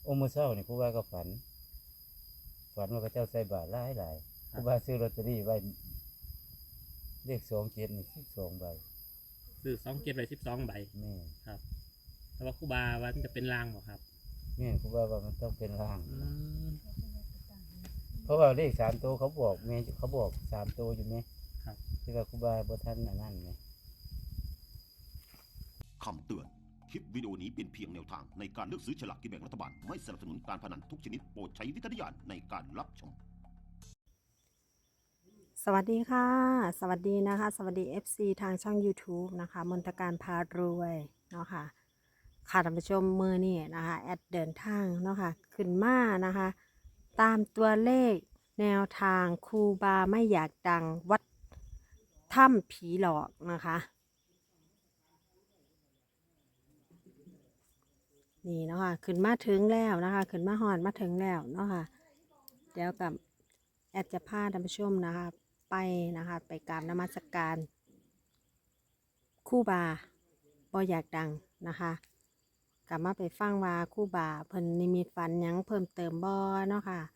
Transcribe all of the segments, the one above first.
มื้อเช้านี่ครูบาก็ฝันว่าเขาเจ้าใส่บาตรหลายครูบาซื้อลอตเตอรี่ไว้เลข27นี่12ใบซื้อ27ใบ12 ใบแม่ครับแต่ว่าครูบาว่ามันจะเป็นรางบ่ครับแม่ครูบาว่ามันต้องเป็นร่างมเพราะว่าเลข3ตัวเขาบอกแม่เขาบอก3ตัวอยู่แม่ครับที่ว่าครูบาบ่ทันอันนั้นแม่คำเตือน คลิปวิดีโอนี้เป็นเพียงแนวทางในการเลือกซื้อฉลากกินแบ่งรัฐบาล ไม่สนับสนุนการพนันทุกชนิดโปรดใช้วิจารณญาณในการรับชมสวัสดีค่ะ สวัสดีนะคะ สวัสดี FC ทางช่อง YouTube นะคะมนตการพารวยเนาะค่ะค่ะท่านผู้ชมมือนี่นะคะแอดเดินทางเนาะค่ะขึ้นมานะคะ ตามตัวเลขแนวทางครูบาไม่อยากดังวัดถ้ำผีหลอกนะคะนี่เนาะค่ะขึ้นมาถึงแล้วนะคะขึ้นมาหอนมาถึงแล้วเนาะค่ะเดี๋ยวกับแอดจะพาท่านผู้ชมนะคะไปนะคะไปกราบนมัสการครูบาบ่อยากดังนะคะกลับมาไปฟังว่าครูบาเพิ่นนิมิตฝันหยังเพิ่มเติมบ่เนาะค่ะ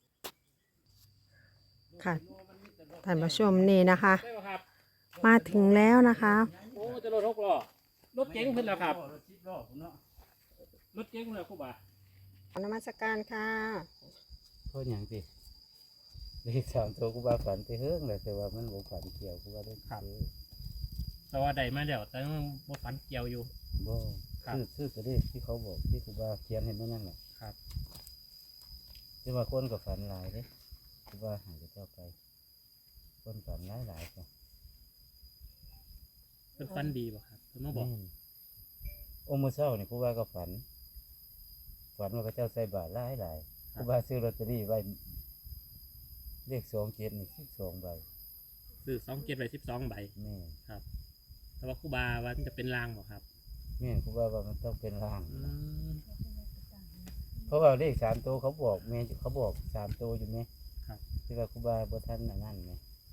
ค่ะท่านผู้ชมนี่นะคะได้บ่ครับมาถึงแล้วนะคะโอ้จะรถ6 ล้อรถเก๋งเพิ่นแล้วครับรถ10ล้อพุ่นเนาะรถเก๋งแล้วครูบานมัสการค่ะเพราะหยังสิเลข3ตัวครูบาฝันไปเฮิงเลยแต่ว่ามันบ่ฝันเกี่ยวครูบาได้ซื้อแต่ว่าได้มาแล้วแต่ยังบ่ฝันเกี่ยวอยู่บ่ครับซื้อตัวเลขที่เขาบอกที่ครูบาเขียนให้เมื่อนั่นแหละครับแต่ว่าคนก็ฝันหลายเด้ครูบาหาเจ้าไปคนฝันหลายก็เพิ่นฝันดีบ่ครับเพิ่นมาบอกแม่นมื้อเช้านี่ครูบาก็ฝันว่าเขาเจ้าใส่บาตรหลายครูบาซื้อลอตเตอรี่ไว้เลข27นี่12ใบซื้อ27ใบ12 ใบแม่นครับแต่ว่าครูบาว่ามันจะเป็นรางบ่ครับแม่นครูบาว่ามันต้องเป็นร่างอืมเพราะว่าเลข3ตัวเขาบอกแม่เขาบอก3ตัวอยู่แม่ครับที่ว่าครูบาบ่ทันอันนั้นแม่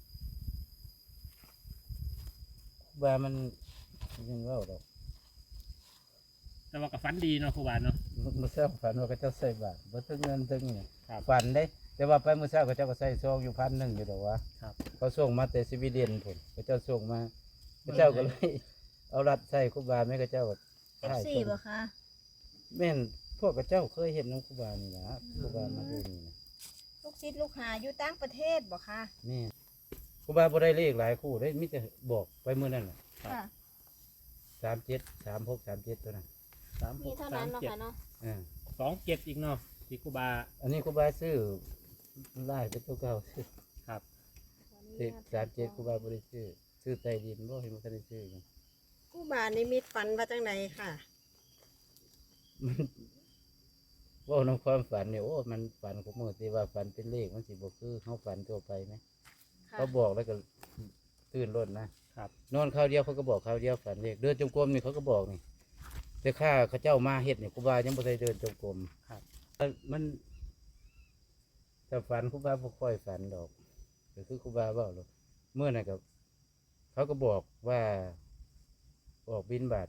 ครูบามันยังเว้าดอกแต่ว่าก็ฝันดีเนาะครูบาเนาะมื้อเช้าฝันว่าเขาเจ้าใส่บาตรบ่ถึงเงินถึงนี่ครับฝันได้ แต่ว่าไปมื้อเช้าเขาเจ้าก็ใส่ซองอยู่1,000อยู่ดอกว่าครับเขาส่งมาแต่สวีเดนพุ่นเขาเจ้าส่งมาเขาเจ้าก็เลยเอารัดใส่ครูบาแม่เขาเจ้าก็ FC บ่คะแม่นพวกเขาเจ้าเคยเห็นน้องครูบานี่ล่ะครูบามาดูนี่นะลูกศิษย์ลูกหาอยู่ต่างประเทศบ่คะแม่นครูบาบ่ได้เลขหลายคู่ได้มีแต่บอกไปมื้อนั้นน่ะค่ะ 37 36 37ตัวนั้นมีเท่านั้นเนาะค่ะเนาะอ่า 27อีกเนาะที่ครูบาอันนี้ครูบาซื้อไล่เป็นตัวเก่าซื้อครับเลข37ครูบาบ่ได้ซื้อใต้ดินบ่เห็นมันก็ได้ซื้ออยู่ครูบานิมิตฝันว่าจังไดค่ะมันเว่าในความฝันเนี่ยโอ้มันฝันของมือที่ว่าฝันเป็นเลขมันสิบ่คือเขาฝันทั่วไปไหมค่ะเขาบอกแล้วก็ตื่นรถนะครับ นอนข้าวเดียวเขาก็บอกข้าวเดียวฝันเลขเดินจงกรมนี่เขาก็บอกนี่แต่ข้าเขาเจ้ามาเฮ็ดเนี่ยครูบายังบ่ได้เดินจงกรมครับมันแต่ฝันครูบาบ่ค่อยฝันดอกก็คือครูบาเว้าหรอกเมื่อนั้นก็เขาก็บอกว่าออกบิณฑบาต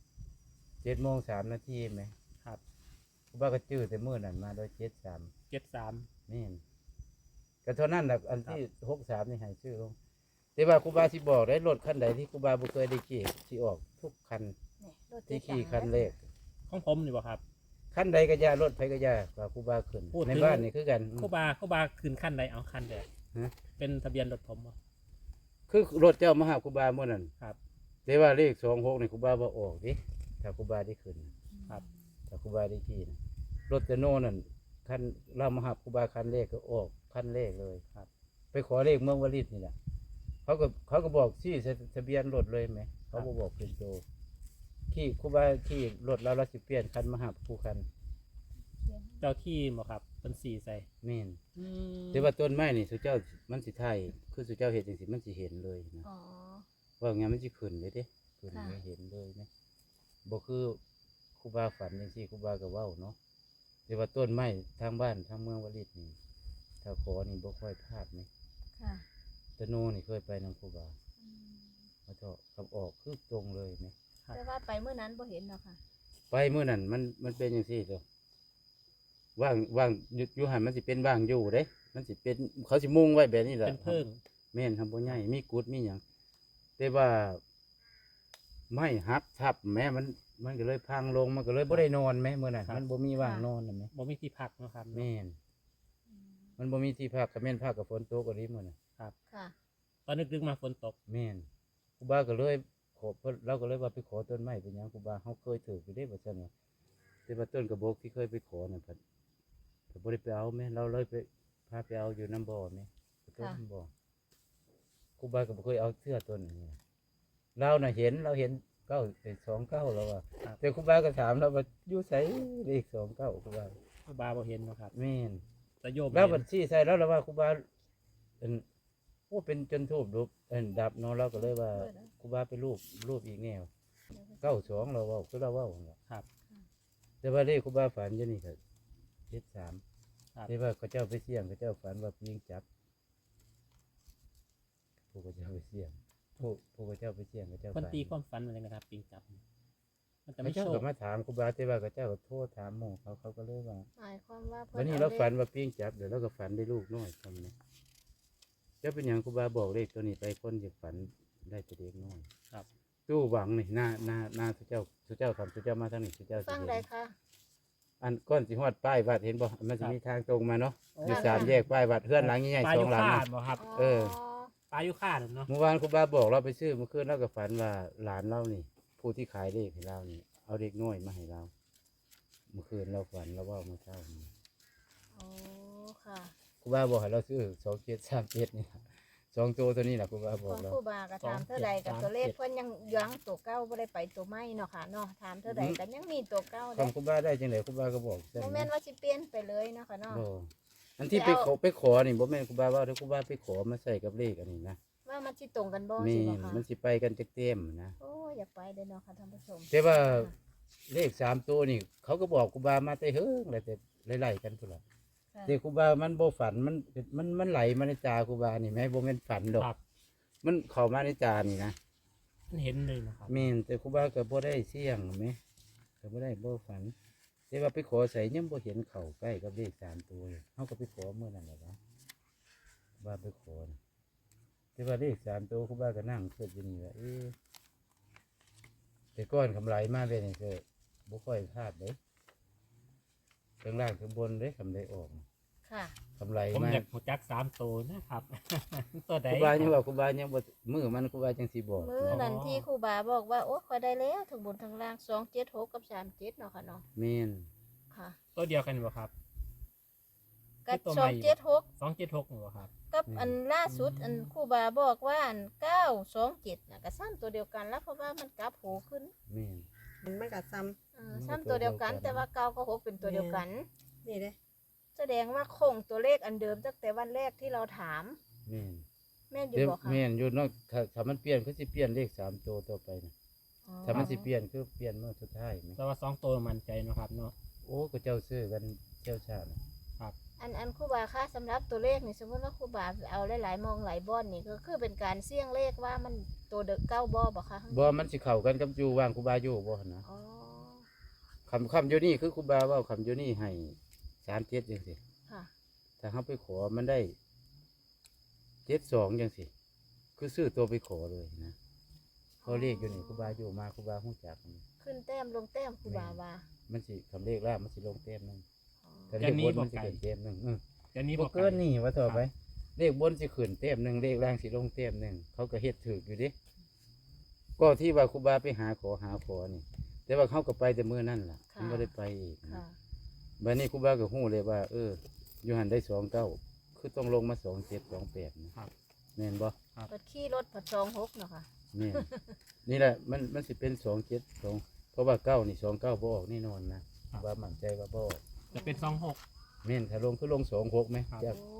7:03ไหมครับครูบาก็จื้อแต่มื้อนั้นมาโดย73 73 นี่นก็เท่านั้นแหละอันที่63นี่ให้ชื่อลงแต่ว่าครูบาสิบอกได้รถคันใดที่ครูบาบ่เคยได้ขี่สิออกทุกคันนี่รถที่เจ๊ขี่ตังคันเลขของผมนี่บ่ครับคันใดก็ย่ารถไผก็ย่าว่าครูบาขึ้นพูดถึงในบ้านนี่คือกันครูบาขึ้นขั้นใดเอาขั้นใดฮะเป็นทะเบียนรถผมบ่คือรถเจ้ามาหาครูบาเมื่อนั้นครับแต่ว่าเลข26นี่ครูบาบ่ออกดิถ้าครูบาได้ขึ้นครับถ้าครูบาได้ขี่นะรถแต่โน่นั่นคันเรามาหาครูบาคันเลขก็ออกคันเลขเลยครับ ไปขอเลขเมืองวลิตนี่แหละเขาก็บอกชื่อทะเบียนรถเลยไหมเขาบ่บอกเป็นโตขี่ครูบาขี่รถเราสิเปลี่ยนคันมาหาผู้คันเจ้าที่บ่ครับเป็นสีใส่แม่นอืมแต่ว่าต้นไม้นี่สุเจ้ามันสิไทยคือสุเจ้าเห็นจังสิมันสิเห็นเลยนะอ๋อว่าไงมันสิขึ้นเลยเด้ขึ้นค่ะไม่เห็นเลยนะบ่คือครูบาฝันจังซี่ครูบาก็เว้าเนาะแต่ว่าต้นไม้ทางบ้านทางเมืองวลิตนี่ถ้าขอนี่บ่ค่อยพลาดไหมค่ะตะโนนี่เคยไปนำครูบาเขาเจาะกับออกคือตรงเลยไหมแต่ว่าไปเมื่อนั้นบ่เห็นเนาะค่ะไปมื้อนั้นมันเป็นจังซี่เด้อว่างอยู่หันมันสิเป็นว่างอยู่เด้มันสิเป็นเขาสิมุ่งไว้แบบนี้แหละเป็นเพิ่งแม่นทำบ่ใหญ่มีกุดมีหยังแต่ว่าไม่หักทับแม้มันก็เลยพังลงมันก็เลยบ่ได้นอนแม้มื้อนั้นมันบ่มีว่างนอนน่ะแม่บ่มีที่พักเนาะครับแม่นมันบ่มีที่พักก็แม่นพักกับฝนตกก็ดีมื้อนั้นค่ะตอนนึกๆมาฝนตกแม่นครูบาก็เลยขอเราก็เลยว่าไปขอต้นไม้เป็นหยังครูบาเฮาเคยถืออยู่เด้ว่าซั่นว่าแต่ว่าต้นกระบอกที่เคยไปขอน่ะเพิ่นบ่ได้ไปเอาแม่เราเลยไปพาไปเอาอยู่น้ำบ่อแม่ต้นน้ำบ่อครูบาก็บ่เคยเอาเสื้อต้นนี้เราน่ะเห็น29แล้วว่าแต่ครูบาก็ถามเราว่าอยู่ไสเลข29ครูบาครูบาบ่เห็นเนาะครับแม่นแต่โยมแล้วเห็บันญชีใส่แล้วเราว่าครูบาโอ้เป็นจนทูบรูปดับเนาะเราก็เลยว่าครูบาไปรูปอีกแนว92เราเว้าคือเราเว้าหั่นล่ะครับแต่ว่าเลขครูบาฝันอยู่นี่ก็73 ครับแต่ว่าเขาเจ้าไปเสี่ยงเขาเจ้าฝันว่ายิงจับผู้เขาเจ้าไปเสี่ยงผู้เขาเจ้าไปเสี่ยงเขาเจ้าเพิ่นฝันตีความฝันอะไรนะครับปิงจับ มันจะเขาไม่เจ้าโชก็คมาถามครูบาแต่ว่าเขาเจ้าก็โทษถามหมู่เขาก็เลยว่าหมายความว่าเพิ่วันนี้อเราลขฝันว่าปิ้งจับเดี๋ยวเราก็ฝันได้ลูกน้อยทำนะเจ้าเป็นอย่างครูบาบอกเลขตัวนี้ไปคนจะฝันได้แต่เด็กน้อยครับตู้หวังนี่หน้าสุเจ้าทำสุเจ้ามาทางนี้สุเจ้าฟังสิได้เห็นค่ะอันก้อนสิฮอดป้ายวัดเห็นบ่มันจะมีทางตรงมาเนาะอยู่ค่ะสามแยกป้ายวัดเพื่อนหลังใหญ่ปลาๆสยุองหลังค่านะบ่ครับเออปลายุค่าเนาะเมื่อวานครูบาบอกเราไปซื้อเมื่อคืนเราก็ฝันว่าหลานเรานี่ ผู้ที่ขายเลขให้เรานี่เอาเด็กน้อยมาให้เรา เมื่อคืนเราฝันเราว่าเมื่อเช้านี้อ๋อค่ะครูบาบอกให้เราซื้อ2737นี่ล่ะสองตัวนี้แหละครูบาบขออก งเราครูบาก็ถามเท่าใดกับตัวเลขเพิ่นยังยั้งตัวเก้าบ่ได้ไปตัวใหม่เนาะค่ะเนาะถามเท่าใดก็ยังมีตัวเก้าคเด้ำครูบาได้จังไดครูบาก็บอกจังบ่แม่นว่าสิเปลี่ยนไปเลยเนาะค่ะเนาะบ่อันที่ไปขอนี่บ่แม่นครูบาว่าถ้าครูบาไปขอมาใส่กับเลขอันนี้นะว่ามันสิตรงกันบ่แม่สิบ่นค่ะมันสิไปกันจักเต็มนะโอ้ยอยากไปเด้อเนาะค่ะท่านผู้ชมแต่ว่าเลข3ตัวนี่เขาก็บอกครูบามาแต่เฮิงแล้วแต่ไล่ๆกันพุ่นล่ะค่ะแต่ครูบามันบ่ฝันมันไหลมาในตาครูบานี่แม่บ่แม่นฝันดอกครับมันเข้ามาในตานี่นะมันเห็นเลยนะครับแม่นแต่ครูบาก็บ่ได้เสี่ยงแหมก็บ่ได้บ่ฝันแต่ว่าไปขอใส่ยังบ่เห็นเข้าใกล้กับเลข3ตัวเลยเฮาก็ไปขอเมื่อนั้นแหละวะครูบาไปขอนะแต่ว่าเลข3ตัวครูบาก็นั่งคิดอยู่นี่ว่าแต่ก้อนกำไรมาเป็นนี่ก็บ่ค่อยพลาดเด้ข้างล่างข้างบนเด้กำไรออกค่ะกำไรผมมาอยากหัวจัก3ตัวนะครับ ตัวใดครูบายังว่าครูบายังบ่มือมันครูบาจังสิบอกมื้อนั้นที่ครูบาบอกว่าโอ้ค่อยได้แล้วทั้งบนทั้งล่าง276กับ37เนาะค่ะเนาะแม่นค่ะตัวเดียวกันบ่ครับกับตัวใหม่ 276 276บ่ครับกับอันล่าสุดอันครูบาบอกว่าอัน927น่ะก็ซ้ำตัวเดียวกันแล้วเพราะว่ามันกลับหูขึ้นแม่นมันก็ซ้ซ้ำตัวเดียวกัน แต่ว่า9กับ6เป็นตัวเดียวกันำนี่เด้แสดงว่าคงตัวเลขอันเดิมตั้งแต่วันแรกที่เราถามแม่นแม่นอยู่เดี๋ยวบอกค่ะแม่นอยู่เนาะถ้ามันเปลี่ยนก็สิเปลี่ยนเลข3ตัวต่อไปนะอ๋อถ้ามันสิเปลี่ยนคือเปลี่ยนเมื่อสุดท้ายไหมแต่ว่า2ตัวมั่นใจเนาะครับเนาะโอ้ก็เจ้าซื้อกันเจ้าชาติอันครูบาค่ะสำหรับตัวเลขนี่สมมติว่าครูบาเอาหลายๆมองหลายบอนนี่ก็คือเป็นการเสี่ยงเลขว่ามันตัวเด็กเก้าบ่บอกค่ะบ่มันสิเข้ากันกับอยู่ว่างครูบาอยู่บ่หั่นนะอ๋อคำอยู่นี่คือครูบาเว้าคำอยู่นี่ให้37จังซี่ค่ะถ้าเฮาไปขอมันได้72จังซี่คือซื้อตัวไปขอเลยนะพอเลขอยู่นี่ครูบาอยู่มาครูบาฮู้จักมันขึ้นแต้มลงแต้มครูบาว่ามันสิคำเลขล่างมันสิลงเต็มหนึงอ๋อแต่เลขบนมันสิขึ้นเต็มหนึงจะนี้บ่บ่เกินนี่ว่าต่อไป เลขบนสิขึ้นเต็มหนึงเลขล่างสิลงเต็มหนึงเขาก็เฮ็ดถูกอยู่เดิก็ที่ว่าครูบาไปหาขอนี่ แต่ว่าเขาก็ไปแต่มื้อนั่นล่ะมันบ่ได้ไปอีกนะค่ะบัดนี้ครูบาก็ฮู้เลยว่าอยู่หันได้29คือต้องลงมา27 28นะครับ แม่นบ่เปิดขี่รถผัด26เนาะค่ะแม่น นี่แหละมันสิเป็น272เพราะว่า9นี่29บ่ออกแน่นอนนะว่ามั่นใจว่าบ่ออกจะเป็น26 แม่นถ้าลงคือลง26ไหมครับจากโอ้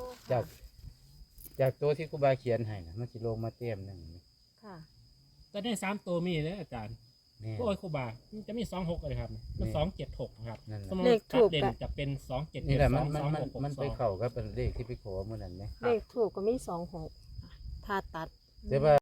จากตัวที่ครูบาเขียนให้นะมันสิลงมาเต็มหนึงไหมค่ะแต่ได้3ตัวมีเลยอาจารย์แม่นโอ้ยครูบามันจะมี26เลยครับมันแม่ 276ครับนั่นสมน่ะมุติตัดเด่นจะเป็น277 นี่แหละมัน 226 มันไปเข้ากับเป็นเลขที่ไปขอเมื่อนั้นไหมเลขถูกก็มี26ถ้าตัดแต่ว่า